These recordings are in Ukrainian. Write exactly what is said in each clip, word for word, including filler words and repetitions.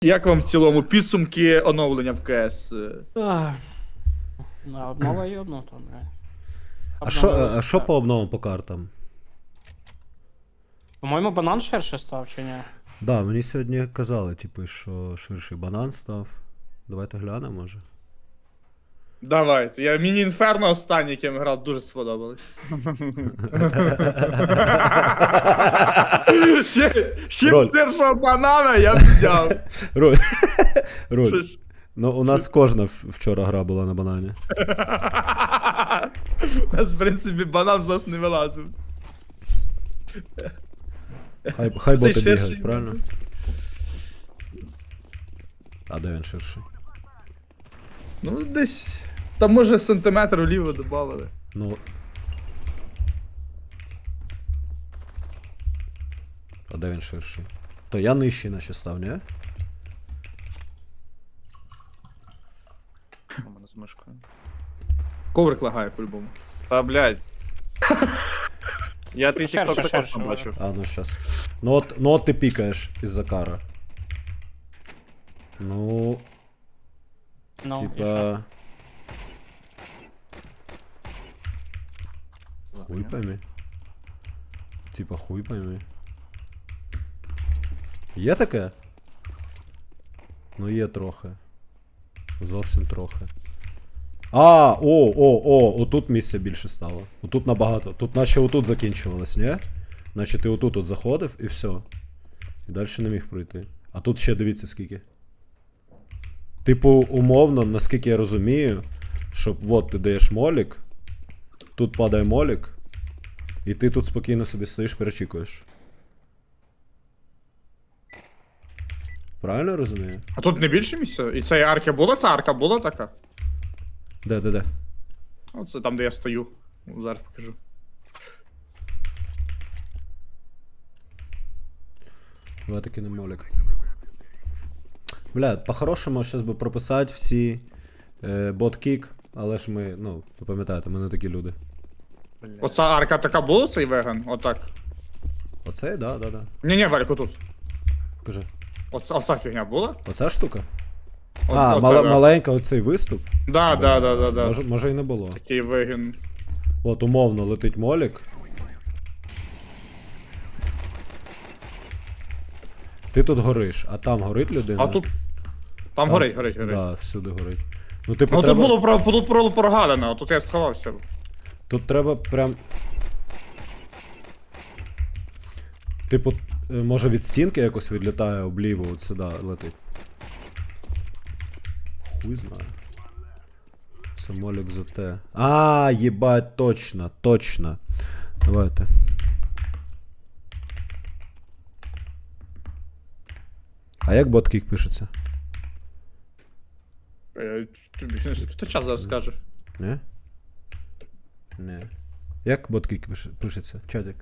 Як вам в цілому підсумки оновлення в КС? А, да, обнова йобну там, бля. А що, Обновилось, а що так. по обновам по картам? По-моєму, банан ширше став, чи ні? Да, мені сьогодні казали, типу, що ширший банан став. Давайте глянемо, може. Давайте. Я міні-інферно останній, яким грав, дуже сподобалось. Ще ще Роль. першого банана я б взяв. Роль. Що Роль. ж? Ну, у нас кожна в- вчора гра була на банані. У нас, в принципі, банан з нас не вилазив. Хай, хай Цей боти ширший бігають, правильно? А де він ширший? Ну, десь. Там може сантиметр вліво додавали. Ну. А де він ширший? То я нижчий наче став, ні? У мене з мишкою. Коврик лагає по-любому. Та, блядь. Я твій Шерше, тікток також шерше, не бачив. А, ну щас. Ну от, ну от ти пікаєш із-за кара. Ну, Ну, і що? типа... Хуй пойми. Типа хуй пойми. Є таке? Ну є трохи. Зовсім трохи. А, о, о, о, отут місця більше стало. Отут набагато. Тут наче отут закінчувалось, ні? Наче ти отут от заходив і все. І далі не міг пройти. А тут ще дивіться скільки. Типу, умовно, наскільки я розумію, щоб от ти даєш молік, тут падає молік, і ти тут спокійно собі стоїш, перечікуєш. Правильно я розумію? А тут не більше місця? І це арка була? Ця арка була така? Де, де, де? Оце там, де я стою. Зараз покажу. Давай таки не молік. Бля, по-хорошому зараз би прописати всі е, бот-кік, але ж ми, ну, ви пам'ятаєте, ми не такі люди. Оця арка така була, цей веган? Отак. Оцей, да, да, да. Ні-ні, Валько, тут. Покажи. Оця, оця фігня була? Оця штука? О- а, оце, мала, да. маленька оцей виступ. Да, да, да, да, да. Може, може і не було. Такий вегін. От, умовно, летить молік. Ти тут гориш, а там горить людина. А тут. Там горить, горить, горить. Да, всюди горить. Ну, типу, Ну треба... тут було про тут було прогалено, а тут я сховався. Тут треба прям. Типу, е, може від стінки якось відлітає обліво, от сюди летить. Хуй знає. Це молік за те. А, їбать, точно, точно. Давайте. А як боткік пишеться? Е, тобі хто час зараз скаже? Не? Не. Як боткік пише- пишеться? Чатик.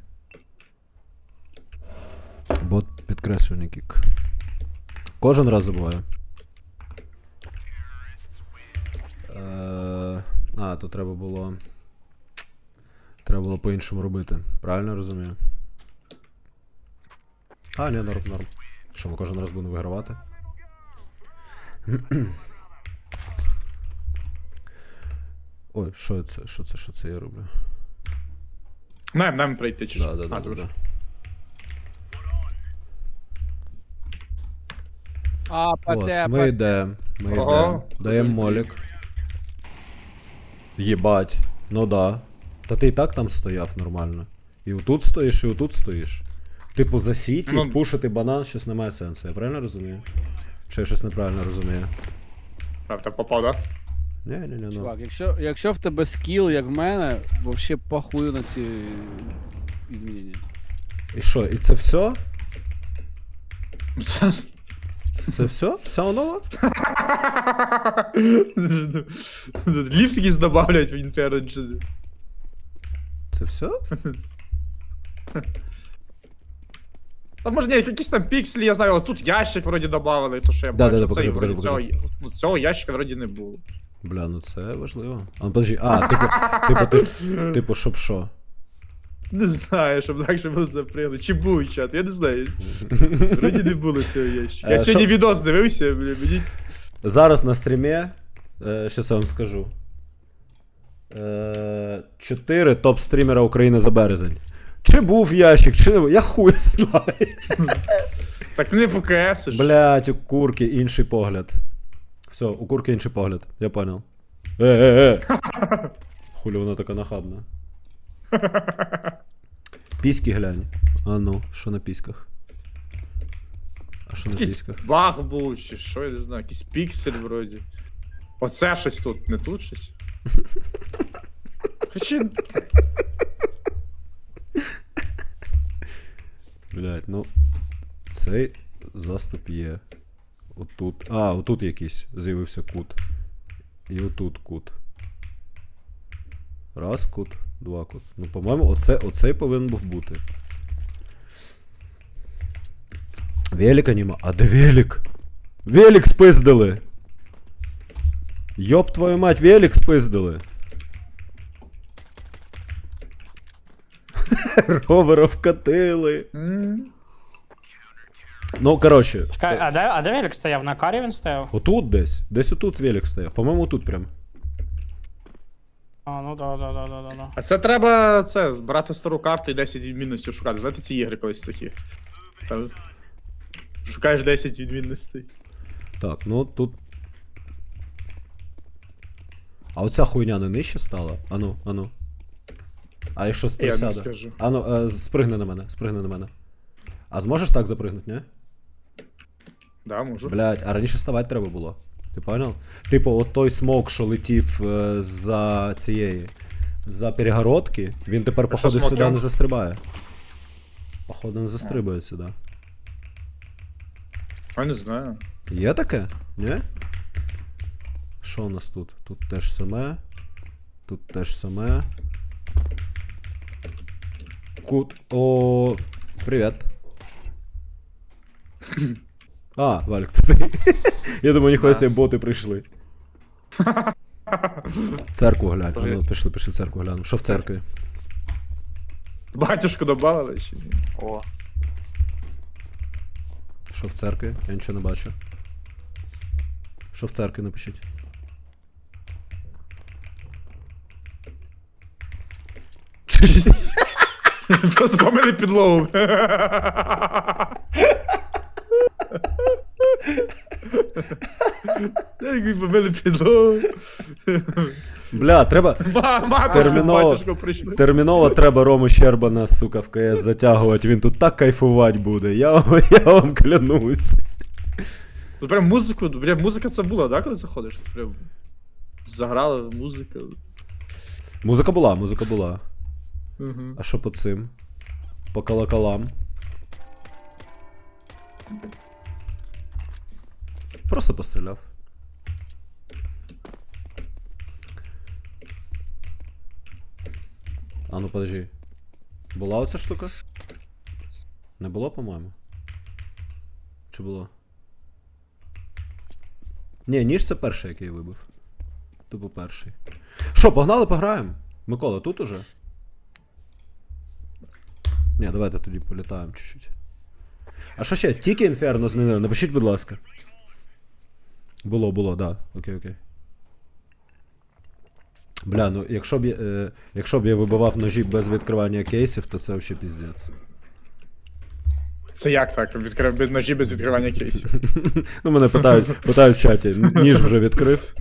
Бот підкреслювальний кік. Кожен раз забуваю. Е, а, то треба було. Треба було по-іншому робити. Правильно розумію? А, ні, норм, норм. Що, ми кожен раз будемо вигравати? Ой, що це? Що це? Що це я роблю? Нам, нам прийти чи Да, що? да, да, А, да, дуже. да. А, От, паде, ми йдемо, ми Ого. йдемо, даємо молік. Єбать, ну да. Та ти і так там стояв нормально. І отут стоїш, і отут стоїш. Типу за сіті, Ну- пушити банан щось немає сенсу, я правильно розумію? Чи я щось неправильно розумію? Правда, попав, да? Ні, ні, ні, ну. чувак, якщо, якщо в тебе скіл, як в мене, вообще похую на ці змінення. І що, і це все? Це все? Вся онова? Ліфт якийсь добавлять в інтернеті. Це все? А може ні, якісь там пікселі, я знаю, але тут ящик вроді добавили, то що я Да, бачу. да, да, Цей покажи, вроді покажи, цього, ну, цього ящика вроді не було. Бля, ну це важливо. А, ну подожди, а, типу, типу, ти, ж- типу, щоб що? Не знаю, щоб легше було запрягнути. Чи був чат, я не знаю. Вроді не було цього ящика. Е, Я сьогодні що- відос дивився, бля, мені. Зараз на стрімі, е, щас я вам скажу. Е, чотири топ-стрімера України за березень. Чи був ящик, чи не був, я хуй знаю. Так не ПКСиш. Блять, у курки інший погляд. Все, у курки інший погляд, я понял. Е, е, е. Хулі вона така нахабна. Піськи глянь. А ну, що на піськах? А що на Якийсь піськах? баг був, чи що, я не знаю, якийсь піксель вроді. Оце щось тут, не тут щось. Хоча. Блять, ну. Цей заступ є. Отут. А, отут якийсь з'явився кут. І отут кут. Раз кут, два кут. Ну, по-моєму, оце, оцей повинен був бути. Велика нема. А де велик? Велик спиздили! Йоп твою мать, велик спиздили! Ровера вкатили. М. Ну, коротше. Чекай, а де, а де Велик стояв? На карі він стояв? Отут десь. Десь отут велик стояв. По-моєму, тут прям. А, ну да, да, да, да, да, да. А це треба це, брати стару карту і десять відмінностей шукати. Знаєте ці ігри колись такі? Там, шукаєш десять відмінностей. Так, ну тут. А оця хуйня не нижче стала? Ану, ану. А якщо Я не присяде? скажу. Ану, е, спригни на мене, спригни на мене. А зможеш так запригнути, ні? Да, можу. Блять, а раніше ставати треба було. Ти понял? Типу, от той смок, що летів е, за цієї. За перегородки, він тепер, що, походу, сюди смокем? не застрибає. Походу, не застрибує сюди. Я не знаю. Є таке? Ні? Що у нас тут? Тут теж саме. Тут теж саме. Кут. О, привіт. А, Вальк, це ти. Я думаю, ніхуя себе боти прийшли. Церкву глянь. А ну, пішли, пішли церкву глянемо. Що в церкві? Батюшку добавили чи ні? О, Що в церкві? Я нічого не бачу. Що в церкві напишіть? Просто помили підлогу. Як помили підлогу. Бля, треба. Ма- Матушку з Терміново. батюшком прийшли. Терміново треба Рому Щербана, сука, в КС затягувати. Він тут так кайфувати буде. Я, вам- я вам клянусь. Ну прям музику, прям музика це була, да, коли заходиш? Прям заграла музика. Музика була, музика була. Угу. А що по цим? По колоколам. Просто постріляв. А ну подожди. Була оця штука? Не було, по-моєму? Чи було? Ні, ніж це перший, який я вибив. Тупо перший. Що, погнали, пограємо? Микола, тут уже? Ні, давайте тоді політаємо чуть-чуть. А що ще? Тільки інферно змінили? Напишіть, будь ласка. Було, було, да. Окей, окей. Бля, ну якщо б я, е, якщо б я вибивав ножі без відкривання кейсів, то це взагалі піздець. Це як так? Відкрив без ножі, без відкривання кейсів. Ну, мене питають, питають в чаті, ніж вже відкрив.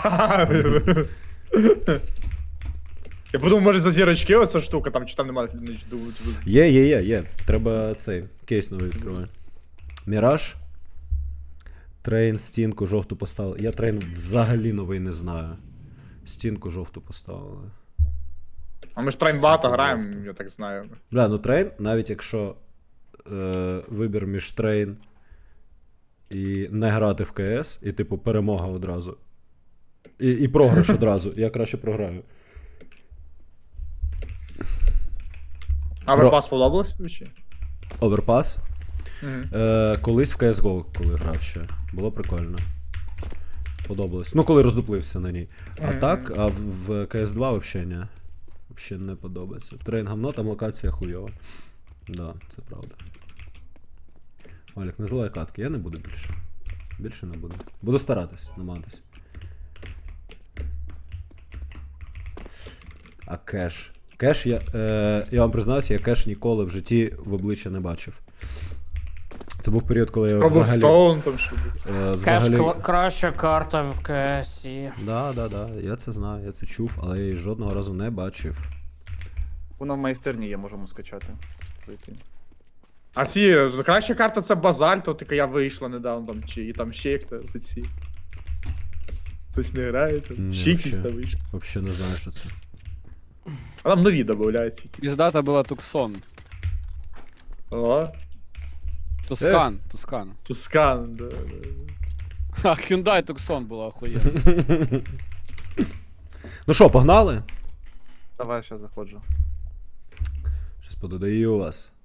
Я подумав, може за зірочки оця штука, там чи там немає ніч думаю. Є, є, є, є. Треба цей кейс новий відкривати. Міраж. Трейн, стінку, жовту поставили. Я трейн взагалі новий не знаю. Стінку жовту поставили. А ми ж трейн багато граємо, я так знаю. Бля, ну трейн, навіть якщо е, вибір між трейн і не грати в КС, і типу перемога одразу. І, і програш одразу. Я краще програю. А Верпас сподобалось тобі чи? Оверпас. Угу. Е, колись в кей ес го, коли грав ще. Було прикольно. Подобалось. Ну, коли роздуплився на ній. А Мгм. так, а в, в кей ес два взагалі ні. Взагалі не подобається. Трейн говно, там локація хуйова. Да, це правда. Олег, не зливай катки, я не буду більше. Більше не буду. Буду старатись, намагатись. А кеш. Кеш я. Е, я вам признаюся, я кеш ніколи в житті в обличчя не бачив. Це був період, коли я взагалі. Cobblestone там що буде. Е, Кеш взагалі... кла- краща карта в КСі. Да, да, да, я це знаю, я це чув, але я її жодного разу не бачив. Вона в майстерні є, можемо скачати. Пройти. А ці, краща карта це базальт, от яка я вийшла недавно, там, чи і там ще хто ці. Хтось не грає, там, Ні, ще якісь вообще. там вийшли. Взагалі не знаю, що це. А там нові додаються. Піздата була Туксон. О, Тускан, Тускан. Тускан, да, да. Ха, Hyundai Tucson була охуєнна. Ну що, погнали? Давай, ще заходжу. Щас пододаю вас.